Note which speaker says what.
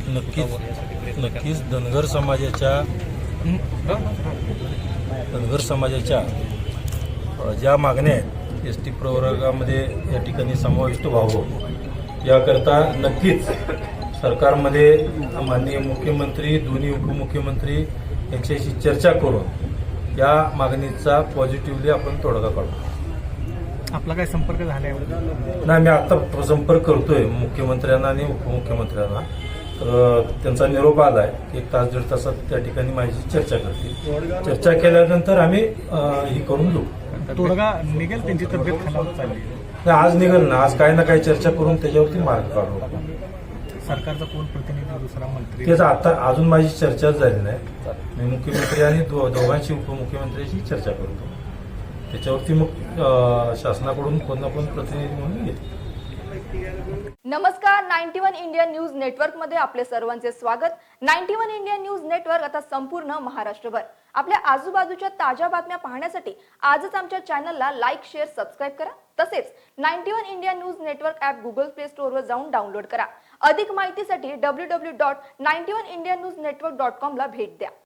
Speaker 1: नक्कीच धनगर समाजाच्या ज्या मागण्या आहेत एस टी प्रवर्गामध्ये या ठिकाणी समाविष्ट व्हावं याकरता नक्कीच सरकारमध्ये माननीय मुख्यमंत्री दोन्ही उपमुख्यमंत्री यांच्याशी चर्चा करून या मागणीचा पॉझिटिव्हली आपण तोडगा काढू.
Speaker 2: आपला काय संपर्क झालाय?
Speaker 1: नाही, मी आता संपर्क करतोय मुख्यमंत्र्यांना आणि उपमुख्यमंत्र्यांना. तर त्यांचा निरोप आलाय की 1 तास 1.5 तासात त्या ठिकाणी माझी चर्चा करतील. चर्चा केल्यानंतर आम्ही ही करून घेऊ.
Speaker 2: तोडगा निघेल, त्यांची तब्येत खालावत चालली.
Speaker 1: आज निघेल ना, आज काही ना काही चर्चा करून त्याच्यावरती मार्ग काढू.
Speaker 2: सरकारचा कोण प्रतिनिधी, दुसरा मंत्री?
Speaker 1: तेच आता अजून माझी चर्चा झाली नाही. मी मुख्यमंत्री आणि दोघांशी उपमुख्यमंत्र्यांशी चर्चा करतो. त्याच्यावरती मग शासनाकडून कोण ना कोण प्रतिनिधी म्हणून येईल.
Speaker 3: नमस्कार, 91 इंडिया न्यूज नेटवर्क मध्ये आपले सर्वांचे स्वागत. 91 इंडिया न्यूज नेटवर्क आता संपूर्ण महाराष्ट्रभर आपल्या आजूबाजूच्या ताज्या बातम्या पाहण्यासाठी आजच आमच्या चॅनलला लाईक, शेअर, सबस्क्राईब करा. तसेच 91 India news network app Google play store वर जाऊन डाउनलोड करा. अधिक माहितीसाठी www.91indianewsnetwork.com ला भेट द्या.